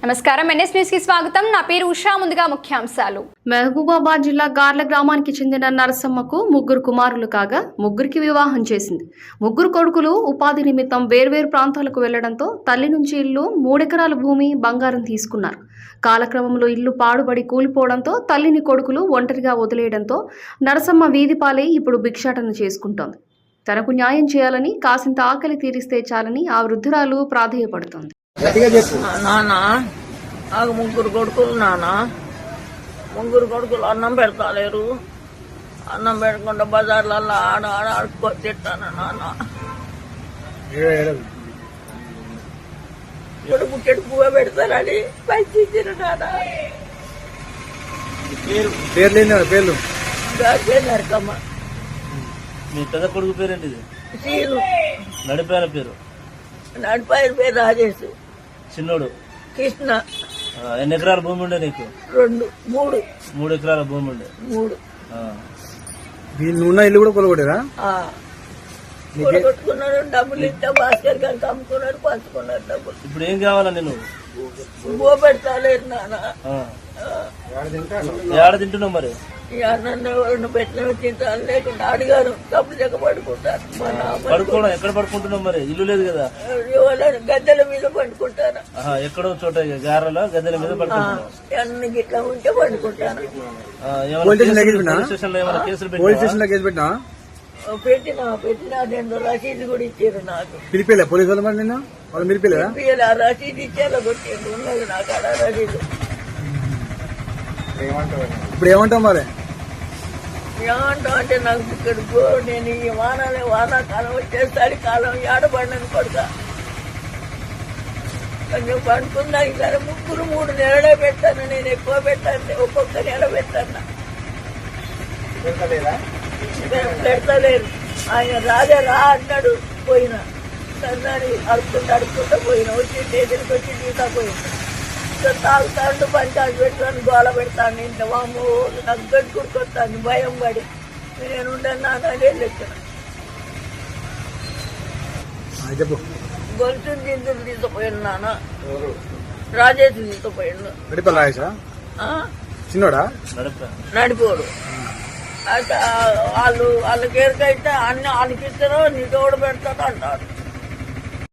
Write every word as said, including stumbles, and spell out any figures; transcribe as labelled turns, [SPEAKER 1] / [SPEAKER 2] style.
[SPEAKER 1] నమస్కారం NS news కి స్వాగతం. నా పేరు ఉషా. ముందుగా ముఖ్యాంశాలు.
[SPEAKER 2] మహబూబాబాద్ జిల్లా గార్ల గ్రామానికి చెందిన నరసమ్మకు ముగ్గురు కుమారులు కాగా ముగ్గురికి వివాహం చేసింది. ముగ్గురు కొడుకులు ఉపాధి నిమిత్తం వేర్వేరు ప్రాంతాలకు వెళ్లడంతో తల్లి నుంచి ఇల్లు మూడెకరాల భూమి బంగారం తీసుకున్నారు. కాలక్రమంలో ఇల్లు పాడుబడి కూలిపోవడంతో తల్లిని కొడుకులు ఒంటరిగా వదిలేయడంతో నరసమ్మ వీధిపాలై ఇప్పుడు భిక్షాటన చేసుకుంటోంది. తనకు న్యాయం చేయాలని, కాసింత ఆకలి తీరిస్తే చాలని ఆ వృద్ధురాలు ప్రాధేయపడుతోంది.
[SPEAKER 3] నాన్న నాకు ముగ్గురు కొడుకులు నాన్న ముగ్గురు కొడుకులు అన్నం పెడతాలేరు. అన్నం పెట్టకుండా బజార్లలో ఆడ ఆడ ఆడుకొని తిట్టాను నాన్న. ఇప్పుడు బుక్కెట్ పువ్వు పెడతారని పైకి ఇచ్చిన నాన్న.
[SPEAKER 4] పేర్లు
[SPEAKER 3] నరకమ్మ.
[SPEAKER 4] మీ పెద్ద కొడుకు పేరేంటిది?
[SPEAKER 3] సీను.
[SPEAKER 4] నడిపాయన పేరు?
[SPEAKER 3] నడిపాయన పేరు రాజేష్.
[SPEAKER 4] చిన్నోడు
[SPEAKER 3] కృష్ణ.
[SPEAKER 4] ఎన్ని ఎకరాల భూమి ఉండే నీకు?
[SPEAKER 3] రెండు మూడు
[SPEAKER 4] మూడు ఎకరాల భూమి ఉండే.
[SPEAKER 3] మూడు
[SPEAKER 4] ఉన్న ఇల్లు కూడా కొలగొట్టారా?
[SPEAKER 3] కొట్టుకున్నాడు. డబ్బులు ఇస్తే భాస్కర్ గారికి అమ్ముకున్నాడు, పంచుకున్నాడు డబ్బులు.
[SPEAKER 4] ఇప్పుడు ఏం కావాలా నేను?
[SPEAKER 3] బో పెడతాలేదు నాన్న.
[SPEAKER 4] ఏడ తింటున్నావు మరి?
[SPEAKER 3] అన్నం పెట్టిన తింటాను, లేకుండా అడిగారు డబ్బులు చెక్క పడుకుంటారు.
[SPEAKER 4] పడుకోవడం ఎక్కడ పడుకుంటున్నావు మరి? ఇల్లు లేదు కదా?
[SPEAKER 3] గద్దెల మీద పండుకుంటాను.
[SPEAKER 4] ఎక్కడో చోట గారెలో గద్దెల మీద పడుకుంటాను.
[SPEAKER 3] అన్ని గిట్లా ఉంటే పండుకుంటాను.
[SPEAKER 4] పెట్టినా
[SPEAKER 3] పెట్టినా పెట్టినా రెండు రసీదు కూడా ఇచ్చారు నాకు.
[SPEAKER 4] పిలిపిలే పోలీసు వాళ్ళు మరి నిన్న? వాళ్ళు మీరు పిల్లరా?
[SPEAKER 3] ఆ రసీదు ఇచ్చేలా కొట్టిండు. ఉన్నది నాకు అలా రసీదు.
[SPEAKER 4] ఇప్పుడు ఏమంటావు మరి?
[SPEAKER 3] ఏమంటావు అంటే నాకు ఇక్కడ నేను ఈ వానాలే వానాకాలం వచ్చేసరి కాలం ఏడబడినని కొడుక కొంచెం పండుకుందా. ఈసారి ముగ్గురు మూడు నెలలే పెట్టాను. నేను ఎక్కువ పెట్టాను, ఒక్కొక్క నెల పెట్టాను. పెడతలేరు. ఆయన రాజా రా అన్నాడు, పోయినా సన్నాడు అడుపుకుంటూ అడుపుకుంటూ పోయినా. వచ్చి స్టేషన్కి వచ్చి తీసా పోయినా. తాగుతాడు, పంచాలు పెడతాను, గోల పెడతాను. ఇంట్లో వాము నాకు గడ్డి కుడుకొస్తాను భయం పడి. నేను ఉండను నాన్న లెక్కన గొలుసుని దిందులు తీసుకుపోయాను నాన్న. రాజేష్ తీసుకుపోయాను.
[SPEAKER 4] చిన్నోడా?
[SPEAKER 3] నడిపోడు. అయితే వాళ్ళు వాళ్ళకి ఎరకైతే అన్ని వాళ్ళకి ఇస్తారో నీ తోడు పెడతాడు అంటారు.